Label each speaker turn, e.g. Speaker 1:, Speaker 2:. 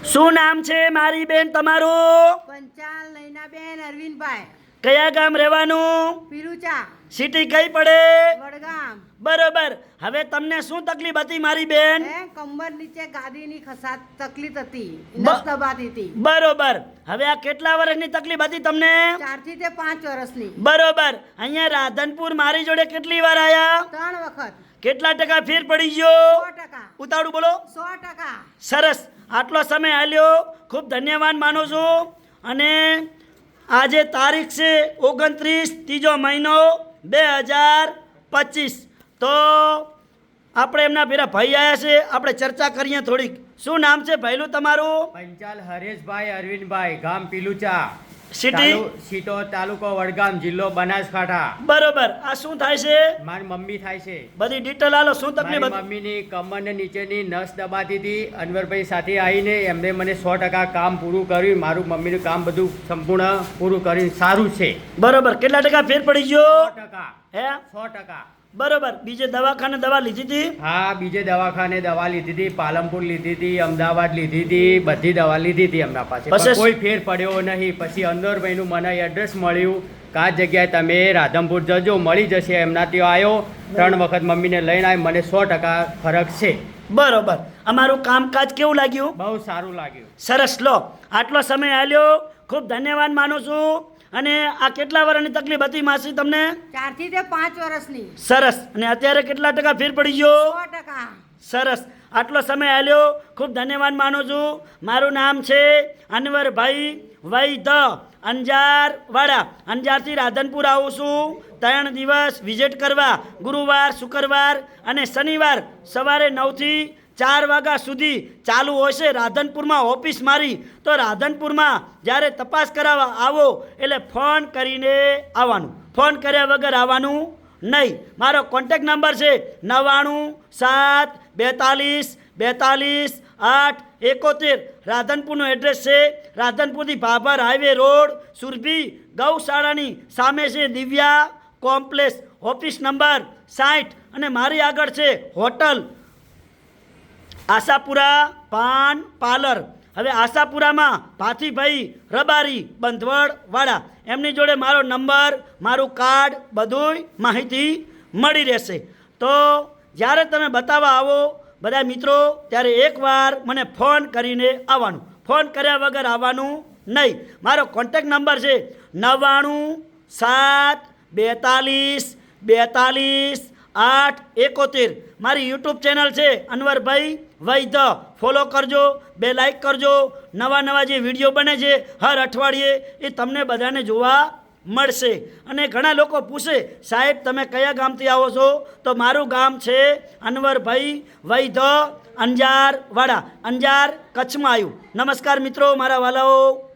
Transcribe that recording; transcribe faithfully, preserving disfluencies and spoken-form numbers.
Speaker 1: શું નામ છે મારી બેન તમારું?
Speaker 2: પંચાલ નૈનાબેન અરવિંદભાઈ.
Speaker 1: કયા ગામ રહેવાનું?
Speaker 2: પીરુચા.
Speaker 1: સિટી કઈ પડે?
Speaker 2: વડગામ.
Speaker 1: બરોબર. હવે તમને શું તકલીફ હતી મારી બેન?
Speaker 2: હે કમર નીચે ગાદીની ખસાત તકલીફ હતી,
Speaker 1: બ-
Speaker 2: નસ દબાતી હતી.
Speaker 1: બરોબર. હવે આ કેટલા વર્ષની તકલીફ હતી તમને?
Speaker 2: ચાર થી તે પાંચ વર્ષની.
Speaker 1: બરોબર. અહીંયા રાધનપુર મારી જોડે કેટલી વાર આયા?
Speaker 2: ત્રણ વખત.
Speaker 1: કેટલા ટકા ફેર પડી ગયો?
Speaker 2: સો ટકા.
Speaker 1: ઉતાવળું બોલો.
Speaker 2: સો ટકા.
Speaker 1: સરસ. આટલો સમય આલ્યો, ખૂબ ધન્યવાદ માનું છું. અને આજે તારીખ છે ઓગણત્રીસ ત્રીજો મહિનો બે હજાર પચીસ. તો આપણે એમના પેલા ભાઈ આવ્યા છે, આપણે ચર્ચા કરીએ થોડીક. શું નામ છે ભાઈનું તમારું?
Speaker 3: પંચાલ હરેશભાઈ અરવિંદભાઈ, ગામ પીલુચા,
Speaker 1: સિટી?
Speaker 3: તાલુ- સીટો તાલુકો વડગામ, જિલ્લો બનાસકાંઠા.
Speaker 1: બરોબર. આ શું થાય છે?
Speaker 3: મારી મમ્મી થાય છે.
Speaker 1: બધી ડિટેલ આલો. શું તકલીફ
Speaker 3: મારી
Speaker 1: હતી?
Speaker 3: મમ્મીની કમરની નીચેની નસ દબાતી હતી. અનવરભાઈ સાથે આવીને એમને મને સો ટકા કામ પૂરું કર્યું. મારું મમ્મીનું કામ બધું સંપૂર્ણ પૂરું કરીને સારું છે.
Speaker 1: બરોબર. કેટલા ટકા ફેર પડી
Speaker 3: સો
Speaker 1: ગયો?
Speaker 3: ટકા
Speaker 1: હે
Speaker 3: સો ટકા.
Speaker 1: બરોબર. બીજે દવાખાને દવા લીધી હતી?
Speaker 3: હા, બીજે દવાખાને દવા લીધી હતી, પાલનપુર લીધી હતી, અમદાવાદ લીધી હતી, બધી દવા લીધી હતી એમના પાસે,
Speaker 1: પછી-
Speaker 3: પણ કોઈ ફેર પડ્યો નહીં. પછી અંદરભાઈનું મને એડ્રેસ મળ્યું કે આ જગ્યાએ તમે રાધનપુર જજો, મળી જશે. એમના ત્યાં આવ્યો, ત્રણ વખત મમ્મીને લઈને આવી. મને સો ટકા ફરક છે.
Speaker 1: બરોબર. અમારું કામકાજ કેવું લાગ્યું?
Speaker 3: બહુ સારું લાગ્યું.
Speaker 1: સરસ. લો, આટલો સમય આલ્યો, ખૂબ ધન્યવાદ માનું છું. અને આ કેટલા વર્ષની તકલીફ હતી માસી તમને?
Speaker 2: ચાર થી તે પાંચ વર્ષની.
Speaker 1: સરસ. અને અત્યારે કેટલા ટકા ફેર પડી ગયો?
Speaker 2: સો ટકા.
Speaker 1: સરસ. આટલો સમય આલ્યો, ખૂબ ધન્યવાદ માનું છું. મારું નામ છે અનવરભાઈ વૈધ, અંજાર વાડા. અંજારથી રાધનપુર આવું છું ત્રણ દિવસ વિઝિટ કરવા. ગુરુવાર, શુક્રવાર અને શનિવાર સવારે નવથી ચાર વાગ્યા સુધી ચાલુ હોય છે રાધનપુરમાં ઓફિસ મારી. તો રાધનપુરમાં જ્યારે તપાસ કરાવવા આવો એટલે ફોન કરીને આવવાનું, ફોન કર્યા વગર આવવાનું નહીં. મારો કોન્ટેક નંબર છે નવ્વાણું સાત બેતાલીસ બેતાલીસ આઠ એકોતેર. રાધનપુરનું એડ્રેસ છે રાધનપુરથી ભાભર હાઈવે રોડ, સુરભી ગૌશાળાની સામે છે દિવ્યા કોમ્પ્લેક્સ, ઓફિસ નંબર સાઠ. અને મારી આગળ છે હોટલ આશાપુરા પાન પાર્લર. હવે આશાપુરામાં ભાથીભાઈ રબારી બંધવડ વાળા, એમની જોડે મારો નંબર, મારું કાર્ડ, બધુંય માહિતી મળી રહેશે. તો જ્યારે તમે બતાવવા આવો બધા મિત્રો, ત્યારે એકવાર મને ફોન કરીને આવવાનું, ફોન કર્યા વગર આવવાનું નહીં. મારો કોન્ટેક નંબર છે નવ્વાણું સાત બેતાલીસ બેતાલીસ આઠ એકોતેર. મારી યુટ્યુબ ચેનલ છે અનવરભાઈ વૈધ, ફોલો કરજો, બે લાઈક કરજો. નવા નવા જે વિડીયો બને છે હર અઠવાડિયે એ તમને બધાને જોવા મળશે. અને ઘણા લોકો પૂછે સાહેબ તમે કયા ગામથી આવો છો? તો મારું ગામ છે અનવરભાઈ વૈધ, અંજાર વાડા. અંજાર કચ્છમાં આવ્યું. નમસ્કાર મિત્રો મારા વાલાઓ.